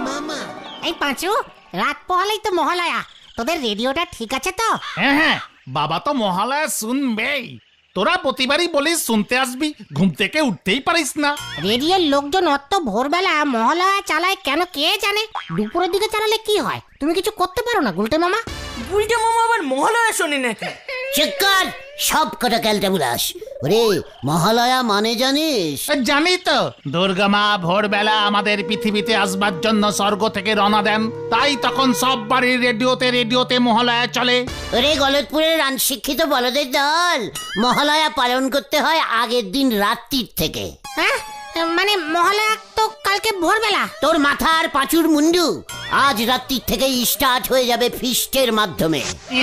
মামা। এই পাঁচু, রাত পোহালেই তো মহালয়া, তোদের রেডিওটা ঠিক আছে তো? হ্যাঁ হ্যাঁ, বাবা তো মহালয়া শুনবেই। তোরা প্রতিবারই বলিস শুনতে আসবি, ঘুম থেকে উঠতেই পারিস না। রেডিওর লোকজন অত ভোরবেলা মহালয়া চালায় কেন কে জানে? দুপুরের দিকে চালালে কি হয়? তুমি কিছু করতে পারো না গুলটে মামা? গুলটে মামা আবার মহালয়া শোনে নাকি? চিৎকার সব কটা ক্যালটা বুলাস। ওরে মহালয়া মানে জানিস? জানি তো, দুর্গা মা ভোরবেলা আমাদের পৃথিবীতে আসবার জন্য স্বর্গ থেকে রওনা দেন, তাই তখন সব বাড়ির রেডিওতে মহালয়া চলে। ওরে গলতপুরের আনশিক্ষিত বলদের দল, মহালয়া পালন করতে হয় আগের দিন রাত্রির থেকে। হ্যাঁ, মানে মহালয়া তো কালকে ভোরবেলা। তোর মাথার পাঁচুর মুন্ডু, আজ রাত্রির থেকেই স্টার্ট হয়ে যাবে ফিস্টের মাধ্যমে।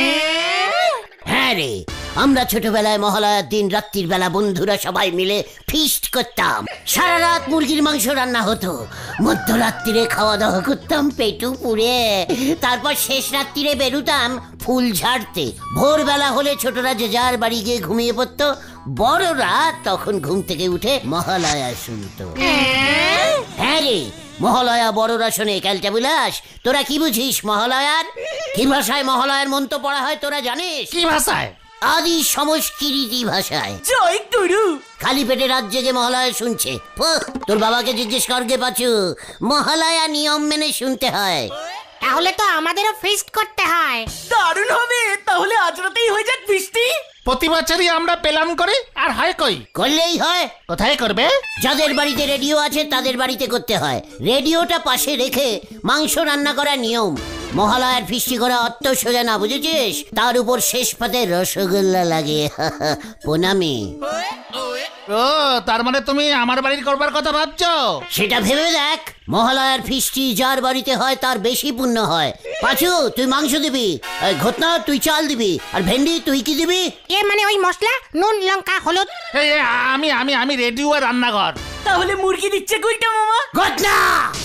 হ্যাঁ রে, আমরা ছোটবেলায় মহালয়ার দিন রাত্রির বেলা বন্ধুরা সবাই মিলে ফিস্ট করতাম। সারা রাত মুরগির মাংস রান্না হতো, মধ্যরাত্রিরে খাওয়া দাওয়া করতাম পেটু পুড়ে, তারপর শেষ রাত্রিরে বেরুতাম ফুল ঝাড়তে। ভোরবেলা হলে ছোটরা যে যার বাড়ি গিয়ে ঘুমিয়ে পড়তো, বড়রা তখন ঘুম থেকে উঠে মহালয়া শুনতো। হ্যাঁ রে, মহালয়া বড়রা শোনে। ক্যালটা বুলাস, তোরা কি বুঝিস মহালয়ার? কি ভাষায় মহালয়ার মন্ত্র পড়া হয় তোরা জানিস? কি ভাষায়? আদি সংস্কৃতি ভাষায়। জয় গুরু। খালি পেটে রাত জেগে মহালয়া শুনছে। তোর বাবাকে জিজ্ঞেস করগে পাচু, মহালয়া নিয়ম মেনে শুনতে হয়। তাহলে তো আমাদেরও ফিস্ট করতে হয়। দারুণ হবে, তাহলে আজ রাতেই হয়ে যাক ফিস্টি। প্রতি বছরই আমরা পেলাম করি, আর হয় কই? করলেই হয়। কোথায় করবে? যাদের বাড়িতে রেডিও আছে তাদের বাড়িতে করতে হয়। রেডিওটা পাশে রেখে মাংস রান্না করা নিয়ম। মহালয়ার ফিস্টি করা অত সোজা না, বুঝেছিস? তার উপর শেষ পাতে রসগোল্লা লাগে। প্রণামী। ও, তার মানে তুমি আমার বাড়ির করবার কথা ভাবছো? সেটা ভেবে দেখ, মহালয়ার ফিস্টি যার বাড়িতে হয় তার বেশি পুণ্য হয়। পাঁচু তুই মাংস দিবি, ঘটনা তুই চাল দিবি, আর ভেন্ডি তুই কি দিবি? এ মানে ওই মশলা, নুন লঙ্কা হলুদ। এই আমি আমি আমি রেডিও আর রান্নাঘর। তাহলে মুরগি দিচ্ছে গুলটে মামা। ঘটনা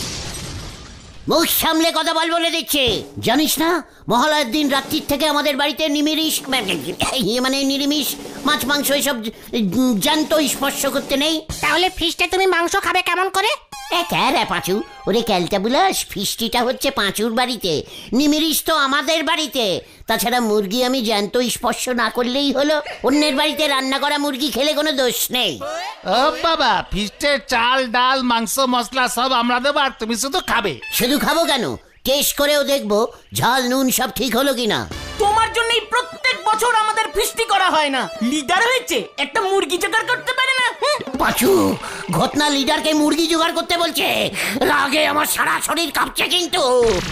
মুখ সামলে কথা বল বলে দিচ্ছে। জানিস না মহালয়ার দিন রাত্রির থেকে আমাদের বাড়িতে নিরামিষ মানে নিরামিষ মাছ মাংস এসব জ্যান্ত স্পর্শ করতে নেই। তাহলে ফিস্টে তুমি মাংস খাবে কেমন করে? রে পাঁচু, ওরে ক্যালটা বুলাস, ফিস্টিটা হচ্ছে পাঁচুর বাড়িতে, নিমিরিশ তো আমাদের বাড়িতে। তাছাড়া মুরগি আমি জ্যান্ত স্পর্শ না করলেই হলো। অন্যের বাড়িতে রান্না করা মুরগি খেলে কোনো দোষ নেই। ও বাবা, ফিস্টের চাল ডাল মাংস মশলা সব আমরা দেবো, আর তুমি শুধু খাবে। শুধু খাবো কেন, টেস্ট করেও দেখবো ঝাল নুন সব ঠিক হলো কিনা। তোমার জন্যই প্রত্যেক বছর আমাদের ফিস্টি করা হয় না। লিডার হয়েছে, একটা মুরগি জোগাড় করতে পারে না। পাঁচু, ঘটনা লিডারকে মুরগি জোগাড় করতে বলছে। রাগে আমার সারা শরীর কাঁপছে কিন্তু।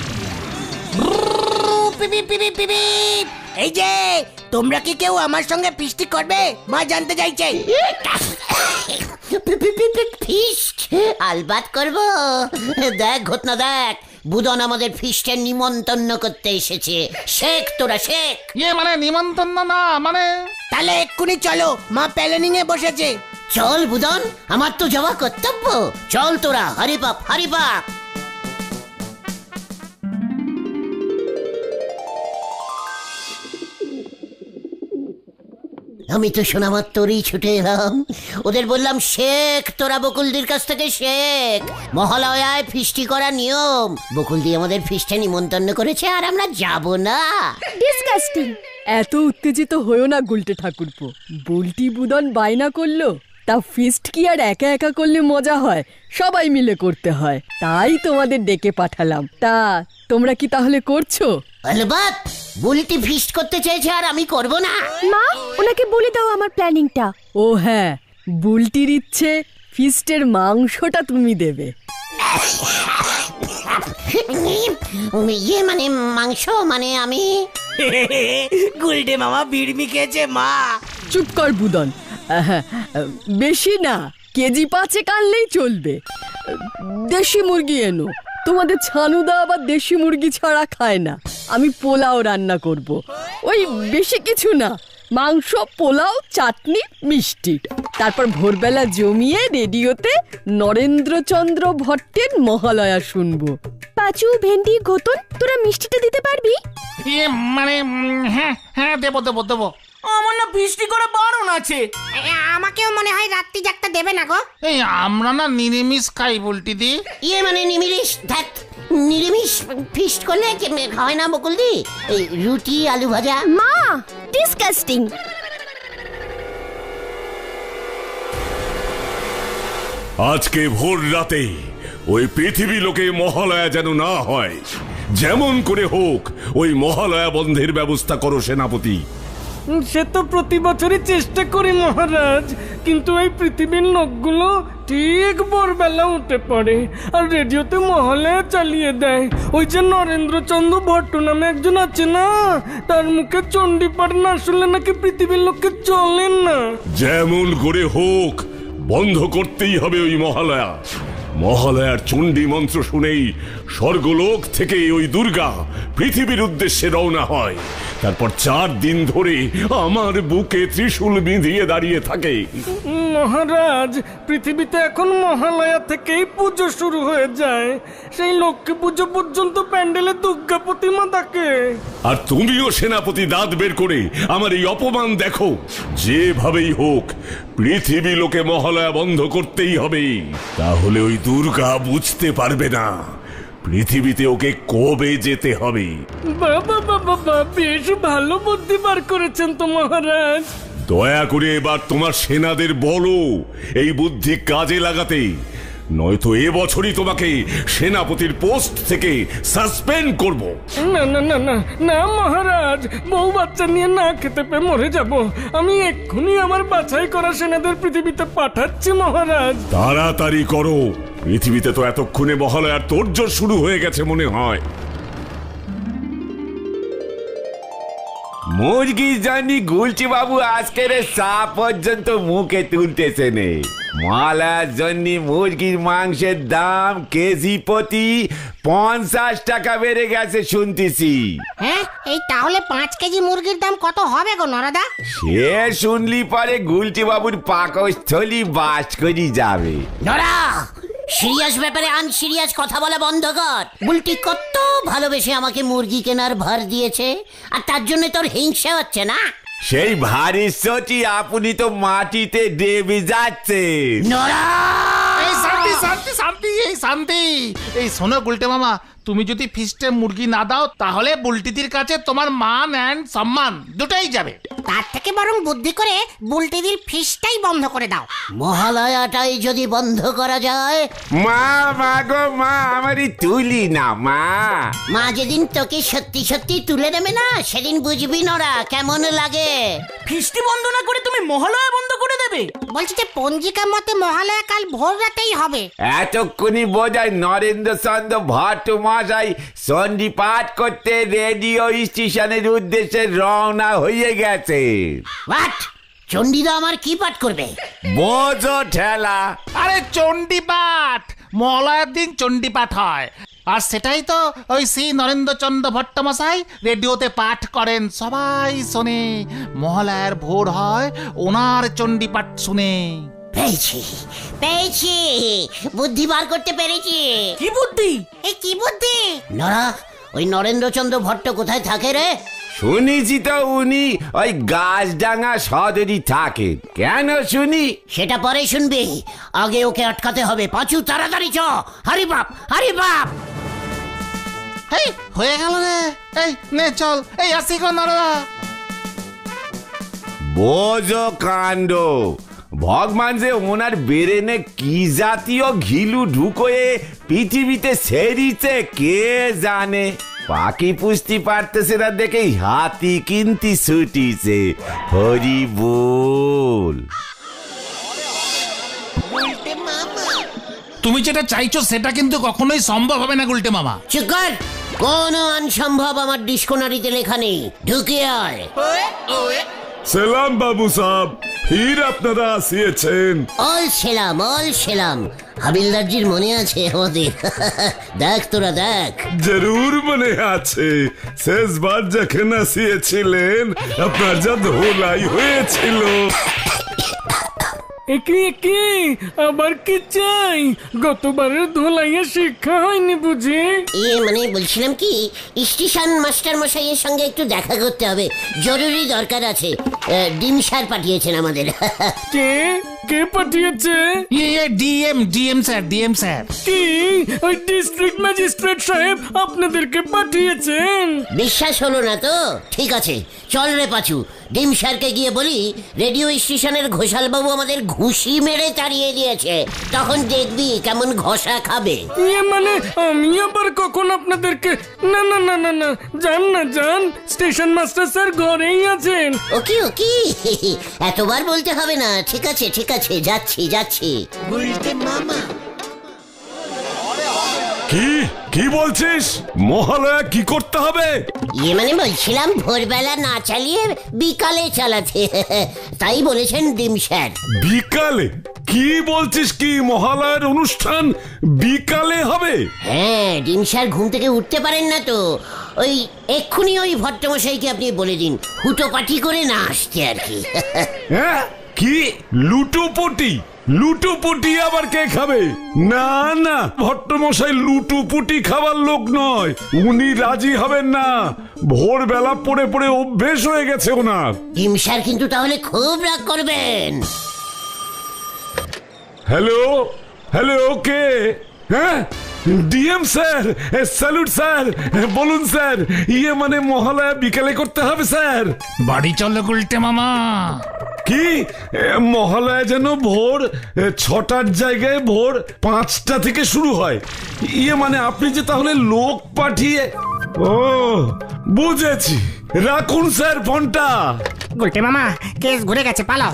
এই যে তোমরা কি কেউ আমার সঙ্গে ফিস্টি করবে? মা জানতে চাইছে। ফিস্ট আলবাত করবো। দেখ ঘটনা দেখ, বুদন আমাদের ফিস্টের নিমন্ত্রণ করতে এসেছে। শেখ তোরা শেখ। মানে নিমন্ত্রণ না, মানে তাহলে এক্ষুনি চলো, মা প্ল্যানিং এ বসেছে। চল বুদন, আমার তো যাওয়া কর্তব্য। চল তোরা, হরি বাপ হরি বাপ। আমি তো শোনা মাত্রই ছুটে এলাম। ওদের বললাম শেখ তোরা বকুলদির কাছ থেকে শেখ, মহালয়ায় ফিস্টি করা নিয়ম। বকুলদি আমাদের ফিস্টে নিমন্ত্রণ করেছে আর আমরা যাব না। ডিসকাস্টিং। এত উত্তেজিত হয়েও না গুলটে ঠাকুরপো। বুলটি বুদন বায়না করলো, তা ফিস্ট কি আর একা একা করলে মজা হয়? সবাই মিলে করতে হয়, তাই তোমাদের ডেকে পাঠালাম। তা তোমরা কি তাহলে করছো? আলবাত, বুলটি ফিস্ট করতে চেয়েছে আর আমি করব না। মা, ওনাকে বলে দাও আমার প্ল্যানিংটা। ও হ্যাঁ, বুলটির ইচ্ছে ফিস্টের মাংসটা তুমি দেবে। ইয়ে মানে মাংস মানে আমি। গুলটে মামা বিড়মি খেয়েছে মা। চুপ কর বুদন। বেশি না, কেজি 5 আনলেই চলবে। দেশি মুরগি এনো। তোমাদের ছানুদা আবার দেশি মুরগি ছাড়া খায় না। আমি পোলাও রান্না করব। ওই বেশি কিছু না, মাংস, পোলাও, চাটনি, মিষ্টি। তারপর ভোরবেলা জমিয়ে রেডিওতে নরেন্দ্রচন্দ্র ভট্টের মহালয়া শুনবো। পাঁচু, ভেন্ডি, ঘোতন, তোরা মিষ্টিটা দিতে পারবি? মানে হ্যাঁ হ্যাঁ, দেবো দেবো দেবো। আমার না ফিস্টি করে বারণ আছে। আমাকেও মনে হয় রাত্রি জাগতে দেবে না গো। এই আমরা না নিরামিষ খাই বুলটি দি। ইয়ে মানে নিমিরিশ। ধ্যাত, নিরামিষ ফিস্ট করলে হয় না বকুলদি? এই রুটি আলু ভাজা। মা, ডিসকাস্টিং। আজকে ভোর রাতে ওই পৃথিবী লোকে মহালয়া যেন না হয়, যেমন করে হোক ওই মহালয়া বন্ধের ব্যবস্থা করো সেনাপতি। সে তো প্রতি বছরই চেষ্টা করি মহারাজ, কিন্তু এই পৃথিবীর লোকগুলো ঠিক ভোরবেলা উঠে পড়ে আর রেডিওতে মহালয়া চালিয়ে দেয়। ওই যে নরেন্দ্রচন্দ্র ভট্ট নামে একজন আছে না, তার মুখে চণ্ডীপাঠ না শুনলে নাকি পৃথিবীর লোককে চলেন না। যেমন করে হোক বন্ধ করতেই হবে ওই মহালয়া। মহালয়ার চণ্ডী মন্ত্র শুনেই স্বর্গলোক থেকে ওই দুর্গা পৃথিবীর উদ্দেশ্যে রওনা হয়। তারপর 4 দিন ধরে আমার বুকে ত্রিশূল বিঁধিয়ে দাঁড়িয়ে থাকে। মহারাজ, পৃথিবীতে এখন মহালয়া থেকেই পুজো শুরু হয়ে যায়। সেই লক্ষ্মী পুজো পর্যন্ত প্যান্ডেলে দুর্গা প্রতিমা থাকে। আর তুমিও সেনাপতি দাঁত বের করে আমার এই অপমান দেখো। যেভাবেই হোক পৃথিবী লোকে মহালয়া বন্ধ করতেই হবে, তাহলে ওই দুর্গা বুঝতে পারবে না পৃথিবীতে ওকে কবে যেতে হবে। বাবা বাবা, বেশ ভালো বুদ্ধি বার করেছেন তো মহারাজ। দয়া করে এবার তোমার সেনাদের বলো এই বুদ্ধি কাজে লাগাতে, নয়তো এবছরই তোমাকে সেনাপতির পোস্ট থেকে সাসপেন্ড করব। না না না না না মহারাজ, বউ বাচ্চা নিয়ে না খেতে পেয়ে মরে যাব। আমি এক্ষুনি আমার বাছাই করা সেনাদের পৃথিবীতে পাঠাচ্ছি মহারাজ। তাড়াতাড়ি করো, পৃথিবীতে তো এতক্ষণে মহালয়ার তোড়জোড় শুরু হয়ে গেছে মনে হয়। মুরগি জানি গুলছি বাবু আজকের চা পর্যন্ত মুখে তুলতেছে নে। মহালয়ার জন্য মুরগির মাংসের দাম কেজি প্রতি 50 টাকা বেড়ে গেছে শুনতেছি। হ্যাঁ, এই তাহলে 5 কেজি মুরগির দাম কত হবে গো নরাদা? সে শুনলি পরে গুলটি বাবুর পাকস্থলী বাস করি যাবে। নরা, সিরিয়াস ব্যাপারে আনসিরিয়াস কথা বলা বন্ধ কর। বুলটি কত ভালোবেসে আমাকে মুরগি কেনার ভার দিয়েছে, আর তার জন্য তোর হিংসা হচ্ছে না? সেই ভারী সচি আপনি তো মাটিতে দেবে যাচ্ছে। নরা, এই শান্তি শান্তি শান্তি, এই শান্তি। এই শোনো গুলটে মামা, তুমি যদি ফিস্টে মুরগি না দাও তাহলে বুলটিদির কাছে তোমার মান এন্ড সম্মান দুটোই যাবে। তার থেকে বরং বুদ্ধি করে বুলটিদির ফিসটাই বন্ধ করে দাও। মহালয়াটাই যদি বন্ধ করা যায়। মা মা গো মা, আমারই তুলি না মা। মা যেদিন তোকে সত্যি সত্যি তুলে নেবে না, সেদিন বুঝবি নরা কেমন লাগে। ফিস্টি বন্ধ না করে তুমি মহালয়া বন্ধ করে দেবে? বলছি যে পঞ্জিকা মতে মহালয়া কাল ভোর রাতেই হবে। এতক্ষণই বোঝায় নরেন্দ্র চন্দ্র ভট্ট মশাই সন্ধি পাঠ করতে রেডিও স্টেশনের উদ্দেশ্যে রওনা হয়ে গেছে। হোয়াট? চণ্ডীদা আমার কি পাঠ করবে? বোঝো ঠেলা। আরে চণ্ডীপাঠ, মহালয়ার দিন চণ্ডীপাঠ হয়, আর সেটাই তো ওই শ্রী নরেন্দ্রচন্দ্র ভট্টমশাই রেডিওতে পাঠ করেন, সবাই শোনে। মহালয়ার ভোর হয় ওনার চণ্ডীপাঠ শুনে। পেয়েছি পেয়েছি, বুদ্ধি বার করতে পেরেছি। কি বুদ্ধি? এই কি বুদ্ধি? নরা, ওই নরেন্দ্রচন্দ্র ভট্ট কোথায় থাকে রে? শুনেছি তো উনি ওই গাছডাঙ্গা সদরই থাকেন। কেন শুনি? সেটা পরে শুনবি, আগে ওকে আটকাতে হবে। পাঁচু, তাড়াতাড়ি চ। হারি বাপ, হারি বাপ। এই হয়ে গেল রে, এই নে চল, এই আসি গো নরদা। বোঝো কাণ্ড, ভগবান যে ওনার বেরেনে কি জাতীয় ঘিলু ঢুকোয়ে পৃথিবীতে সেরিছে কে জানে। পাখি পুষতে পারতেছে না দেখে হাতি কিনতি ছুটিছে। হরি বল। তুমি যেটা চাইছো সেটা কিন্তু কখনোই সম্ভব হবে না গুলটে মামা। চুপ কর, কোনো অনসম্ভব আমার ডিসকোনারিতে লেখা নেই। ঢুকে আয়। সালাম বাবু সাহেব, ফির আপনারা আসিয়েছেন। All সেলাম, all সেলাম। হাবিলদারজির মনে আছে আমাদের? দেখ তোরা দেখ। জরুর মনে আছে, শেষবার যখন আসিয়েছিলেন আপনার যা ধোলাই হয়েছিল। একে একে আবার কি চাই? গতবারের ধোলাইয়ে শিক্ষা হয়নি বুঝি? মানে বলছিলাম কি, স্টেশন মাস্টার মশাইয়ের সঙ্গে একটু দেখা করতে হবে, জরুরি দরকার আছে। ডিম সার পাঠিয়েছেন আমাদের। কে? কে পাঠিয়েছে? ডিএম স্যার কি ওই ডিস্ট্রিক্ট ম্যাজিস্ট্রেট সাহেব আপনাদেরকে পাঠিয়েছেন? বিশ্বাস হলো না তো? ঠিক আছে, চল রে পাচু, ডিম স্যারকে গিয়ে বলি রেডিও স্টেশনের ঘোষাল বাবু আমাদের ঘুষি মেরে তাড়িয়ে দিয়েছে, তখন দেখবি কেমন ঘষা খাবে। মানে আমি আবার কখন আপনাদেরকে? না না না না না, যান না যান, স্টেশন মাস্টার স্যার ঘরেই আছেন। ওকি ওকি, এতবার বলতে হবে না। ঠিক আছে ঠিক আছে, যাচ্ছি যাচ্ছি। বলতে মামা কি কি বলছিস? মহালয়া কি করতে হবে? মানে বলছিলাম ভোরবেলা না চালিয়ে বিকালে চালাতে, তাই বলেছেন ডিম স্যার। বিকালে? কি বলছিস কি? মহালয়ার অনুষ্ঠান বিকালে হবে? হ্যাঁ, ডিম স্যার ঘুম থেকে উঠতে পারেন না তো ওই এক্ষুনি ওই ভট্টমশাইকে আপনি বলে দিন হুটোপাটি করে না আসতে আর কি। হ্যাঁ, কি লুটোপুটি? লুটোপুটি আবার কে খাবে? না না, ভট্টমশাই লুটোপুটি খাবার লোক নয়, উনি রাজি হবেন না। ভোরবেলা পড়ে পড়ে অভ্যেস হয়ে গেছে ওনার। ডিম স্যার কিন্তু তাহলে খুব রাগ করবেন। হ্যালো হ্যালো, কে? হ্যাঁ, ডিএম স্যার, স্যালুট স্যার, বলুন স্যার। মানে মহালয়া বিকালে করতে হবে স্যার। বাড়ি চলো গুলটে মামা। কি মহালয়া যেন ভোর 6টার জায়গায় ভোর 5টা থেকে শুরু হয়? মানে আপনি যে তাহলে লোক পাঠিয়ে? ও বুঝেছি, রাখুন স্যার ফোনটা। গুলটে মামা, কেস ঘুরে গেছে, পালাও।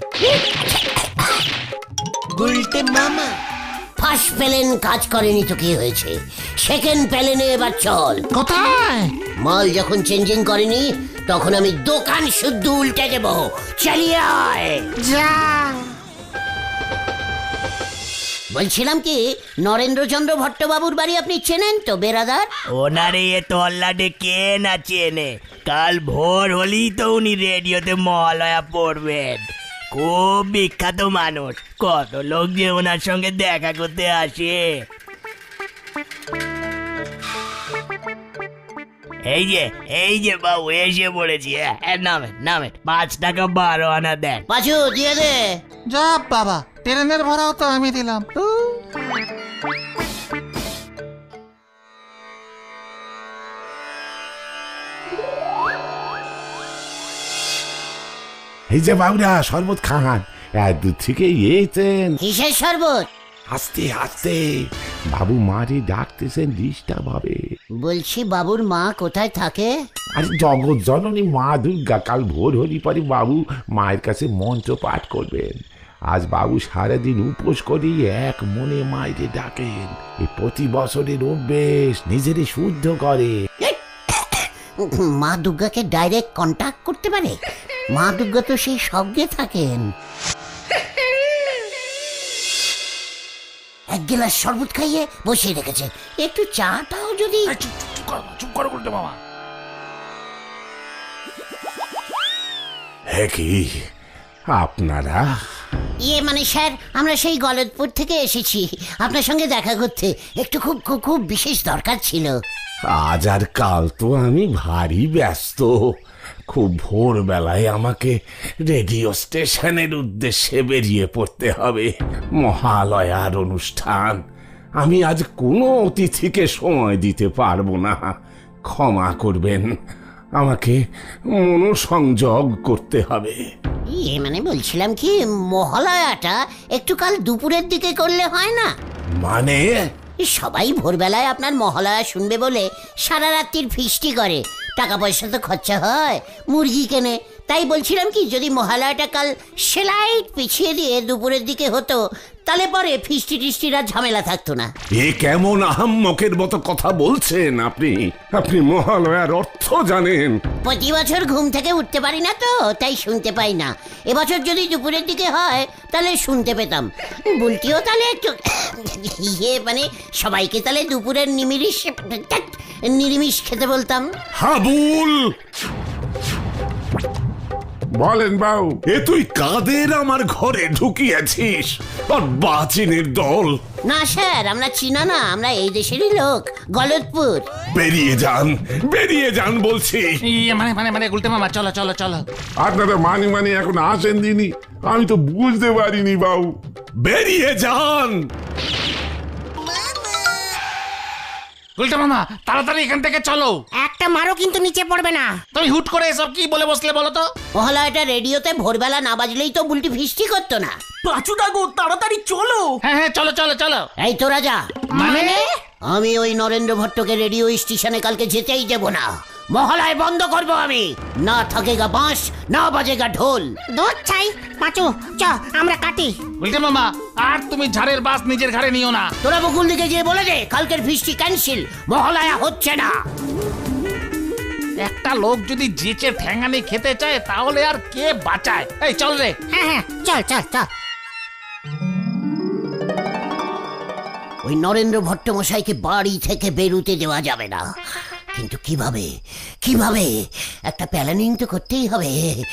গুলটে মামা, ফার্স্ট প্যালেন কাজ করেনি তো কি হয়েছে, সেকেন্ড প্যালেনে এবার চল। কোথায়? মাল যখন চেঞ্জিং করেনি তখন আমি দোকান শুদ্ধ উল্টে দেব, চালিয়ে আয়। যা। বলছিলাম কি, নরেন্দ্রচন্দ্র ভট্টবাবুর বাড়ি আপনি চেনেন তো বেরাদার? ওনারে এ তল্লাটে কে না চেনে? কাল ভোর হলেই তো উনি রেডিওতে মহালয়া পড়বেন। খুব বিখ্যাত মানুষ, কত লোক যে ওনার সঙ্গে দেখা করতে আসে। এই যে বাবু এসে পড়েছি। নামে 5 টাকা 12 আনা দেন। পাঁচু দিয়ে দে। যা বাবা, ট্রেনের ভাড়াও তো আমি দিলাম। এই যে বাবুরা, শরবত খান। দূর থেকে এসেছেন। কিসের শরবত? আস্তে আস্তে, বাবু মারি ডাকতেছেন, ডিস্টার্ব হবে। বলছি বাবুর মা কোথায় থাকে? আরে জগৎ জননী মা দুর্গা। কাল ভোর হলি পরে বাবু মায়ের কাছে মন্ত্র পাঠ করবেন। আজ বাবু সারাদিন উপোস করি এক মনে মায়ের ডাকেন। এই প্রতি বছরের অভ্যেস, নিজেরই শুদ্ধ করে। মা দুর্গাকে ডাইরেক্ট কন্টাক্ট করতে পারে? মা দুর্গা তো সেই সঙ্গে থাকেন। এক গ্লাস শরবত খাইয়ে বসিয়ে রেখেছে, একটু চাটাও যদি। চুপ করো গুলটে মামা। হ্যাঁ, কি আপনারা? মানে স্যার, আমরা সেই গলদপুর থেকে এসেছি আপনার সঙ্গে দেখা করতে, একটু খুব খুব খুব বিশেষ দরকার ছিল। আজ আর কাল তো আমি ভারী ব্যস্ত। খুব ভোরবেলায় আমাকে রেডিও স্টেশনের উদ্দেশ্যে বেরিয়ে পড়তে হবে। মহালয়ার অনুষ্ঠান। আমি আজ কোনো অতিথিকে সময় দিতে পারবো না, ক্ষমা করবেন। আমাকে মনোসংযোগ করতে হবে। মানে বলছিলাম কি, মহালয়াটা একটু কাল দুপুরের দিকে করলে হয় না? মানে? সবাই ভোরবেলায় আপনার মহালয়া শুনবে বলে সারা রাত্রির ফিস্টি করে, টাকা পয়সা তো খরচা হয়, মুরগি কেনে। তাই বলছিলাম কি, যদি মহালয়াটা কাল সেলাইট পিছিয়ে দিয়ে দুপুরের দিকে হতো, তাহলে পরে ফিস্টি টিস্টির আর ঝামেলা থাকতো না। এ কেমন আহাম্মকের মতো কথা বলছেন আপনি? আপনি মহালয়ার অর্থ জানেন? প্রতি বছর ঘুম থেকে উঠতে পারি না তো, তাই শুনতে পাই না। এবছর যদি দুপুরের দিকে হয় তাহলে শুনতে পেতাম। বুলটিও তাহলে একটু মানে সবাইকে তাহলে দুপুরের নিরামিষ খেতে বলতাম। হাবুল, বলেন বাবু, এ তুই কাদের আমার ঘরে ঢুকিয়েছিস? আর বাচিনের দল, না স্যার, আমরা চীনা না, আমরা এই দেশেরই লোক, গলতপুর। বেরিয়ে যান বলছি। মানে গুলটে মামা, চলো চলো চলো। আপনারা মানি এখন আসেন দিনি, আমি তো বুঝতে পারিনি বাবু। বেরিয়ে যান। গুলটে মামা, তাড়াতাড়ি এখান থেকে চলো। একটা মারও কিন্তু নিচে পড়বে না। তুমি হুট করে এসব কি বলে বসলে বলো তো? মহালয়াটা রেডিওতে ভোরবেলা না বাজলেই তো বুলটি ফিস্টি করতো না। পাঁচুদা গো, তাড়াতাড়ি চলো। হ্যাঁ চলো চলো চলো। এই তোরা যা। মানে? আমি ওই নরেন্দ্র ভট্টকে রেডিও স্টেশনে কালকে যেতেই দেব না। মহালয় বন্ধ করব আমি। না থাকেগা বাঁশ, না বাজেগা ঢোল। দুধ চাই পাঁচু, চ আমরা কাটি। গুলটে মামা, আর তুমি ঝাড়ের বাস নিজের ঘাড়ে নিও না। তোরা বকুল দিকে গিয়ে বলে দে কালকের ফিস্টি ক্যান্সেল, মহালয়া হচ্ছে না। একটা লোক যদি যেচে ঠ্যাঙ্গানি খেতে চায় তাহলে আর কে বাঁচায়? এই চল রে। হ্যাঁ চল চল চল। ওই নরেন্দ্র ভট্ট মশাইকে বাড়ি থেকে বেরুতে দেওয়া যাবে না। কিন্তু কিভাবে কিভাবে একটা প্ল্যানিং তো করতেই হবে।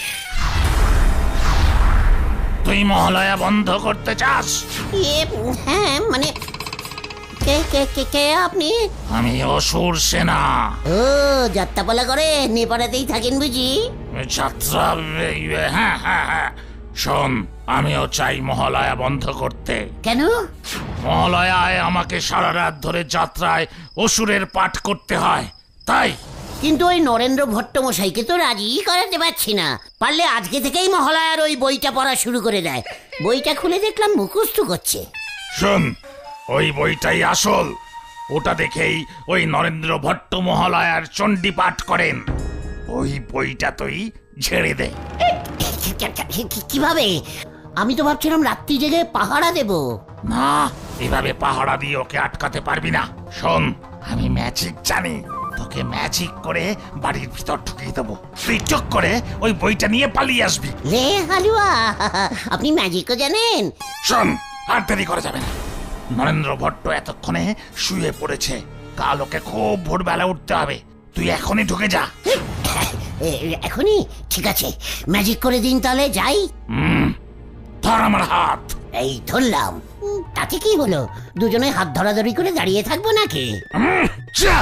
তুই মহালয়া বন্ধ করতে চাস? হ্যাঁ মানে কে কে কে কে আপনি? আমি অসুর সেনা। ও যাত্রাপালা করে নেপাড়াতেই থাকেন বুঝি? যাত্রা, হ্যাঁ হ্যাঁ হ্যাঁ। শোন, আমিও চাই মহালয়া বন্ধ করতে। কেন? মহালয়ায় আমাকে সারা রাত ধরে যাত্রায় অসুরের পাঠ করতে হয়, তাই। কিন্তু ওই নরেন্দ্র ভট্ট মশাইকে তো রাজি করাতে পারছি না। পারলে আজকে থেকেই মহালয়ার ওই বইটা পড়া শুরু করে দেয়। বইটা খুলে দেখলাম মুখস্থ করছে। শোন, ওই বইটাই আসল। ওটা দেখেই ওই নরেন্দ্র ভট্ট মহালয়ার চণ্ডী পাঠ করেন। ওই বইটা তুই ঝেড়ে দে। কিভাবে? আমি তো ভাবছিলাম রাত্রি জেগে পাহারা দেব। না, এভাবে পাহারা দিয়ে ওকে আটকাতে পারবি না। শোন, আমি ম্যাজিক জানি। তোকে ম্যাজিক করে বাড়ির ভিতর ঢুকিয়ে দেবো। তুই চুপ করে ওই বইটা নিয়ে পালিয়ে আসবি। রে হালুয়া, আপনি ম্যাজিকও জানেন? শোন, আর দেরি করা যাবে না। নরেন্দ্র ভট্ট এতক্ষণে শুয়ে পড়েছে। কাল ওকে খুব ভোরবেলা উঠতে হবে। তুই এখনই ঢুকে যা। এখনই? ঠিক আছে, ম্যাজিক করে দিন তাহলে, যাই। ধর আমার হাত। এই ধরলাম। তাতে কি হলো? দুজনে হাত ধরাধরি করে দাঁড়িয়ে থাকবো নাকি? যা।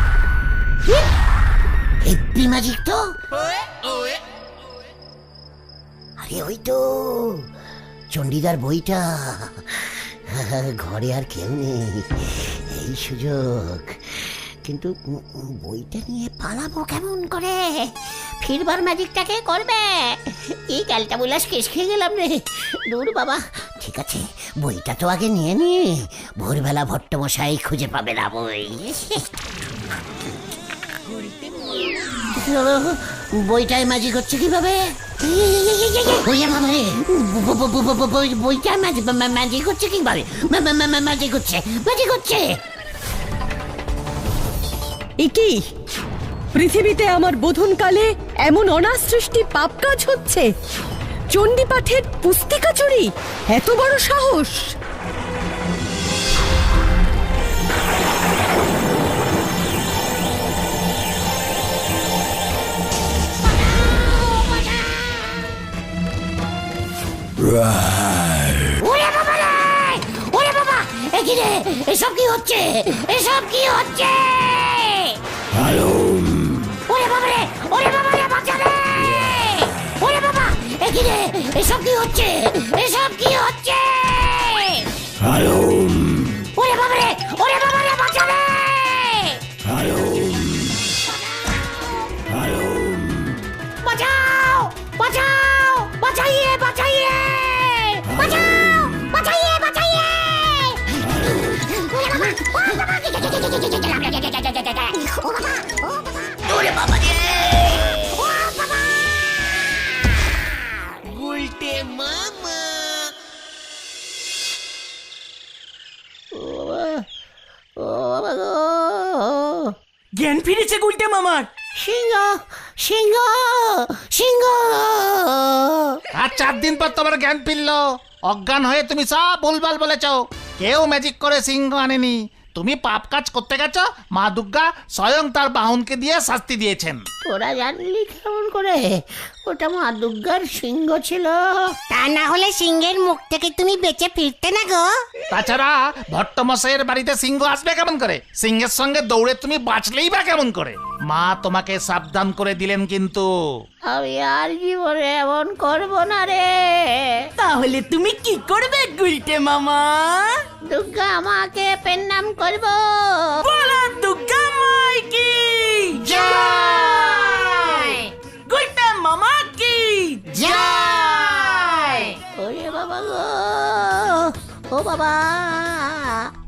হেব্বি ম্যাজিক তো। আরে ওই তো চণ্ডীদার বইটা। ঘরে আর কেউ নেই, এই সুযোগ। কিন্তু বইটা নিয়ে পালাবো কেমন করে? ফিরবার ম্যাজিকটাকে করবে? এই ক্যালটা বুলাস কেস খেয়ে গেলাম রে। দূর বাবা। ঠিক আছে, বইটা তো আগে নিয়ে নি। ভোরবেলা ভট্টমশাই খুঁজে পাবে না বই। বইটায় ম্যাজিক হচ্ছে কিভাবে? বইটা ম্যাজিক হচ্ছে কিভাবে? ম্যাজিক হচ্ছে, ম্যাজিক হচ্ছে। কি পৃথিবীতে আমার বোধনকালে এমন অনাসৃষ্টি পাপ কাজ হচ্ছে? চণ্ডী পাঠের পুস্তিকা চুরি, এত বড় সাহস! এসব কি হচ্ছে? এসব কি হচ্ছে? ওরে বাবা রে, ওরে বাবা রে, বাঁচা রে! ওরে বাবা, এখানে এসব কি হচ্ছে? এসব কি হচ্ছে? ওরে বাবা রে, ওরে বাবা রে, বাঁচা রে! বাঁচাও, বাঁচাও, বাঁচাইয়ে, বাঁচাইয়ে, বাঁচাও, বাঁচাইয়ে, বাঁচাইয়ে! ওরে বাবা রে! উল্টে মামা! জ্ঞান ফিরেছে গুলটে মামার। সিংহ, সিংহ, সিংহ! আর 4 দিন পর তোমার জ্ঞান ফিরল। অজ্ঞান হয়ে তুমি সব ভুলভাল বলেছ। কেউ ম্যাজিক করে সিংহ আনেনি। তুমি পাপ কাজ করতে গেছো, মা দুর্গা স্বয়ং তার বাহনকে দিয়ে শাস্তি দিয়েছেন। তোরা জানলি কেমন করে? ওটা মা দুর্গার সিংহ ছিল। তা না হলে সিংহের মুখ থেকে তুমি বেঁচে ফিরতে না গো। তাছাড়া ভট্টমশাইয়ের বাড়িতে সিংহ আসবে কেমন করে? সিংহের সঙ্গে দৌড়ে তুমি বাঁচলেই বা কেমন করে? মা তোমাকে সাবধান করে দিলেন কিন্তু। আমি আর জীবনে এমন করবো না রে। তাহলে তুমি কি করবে গুলটে মামা? দুর্গা আমাকে প্রণাম করবো। বলো দুর্গা মাই কি জয়, গুলটে মামা কি জয়। ওরে বাবা গো, ও বাবা।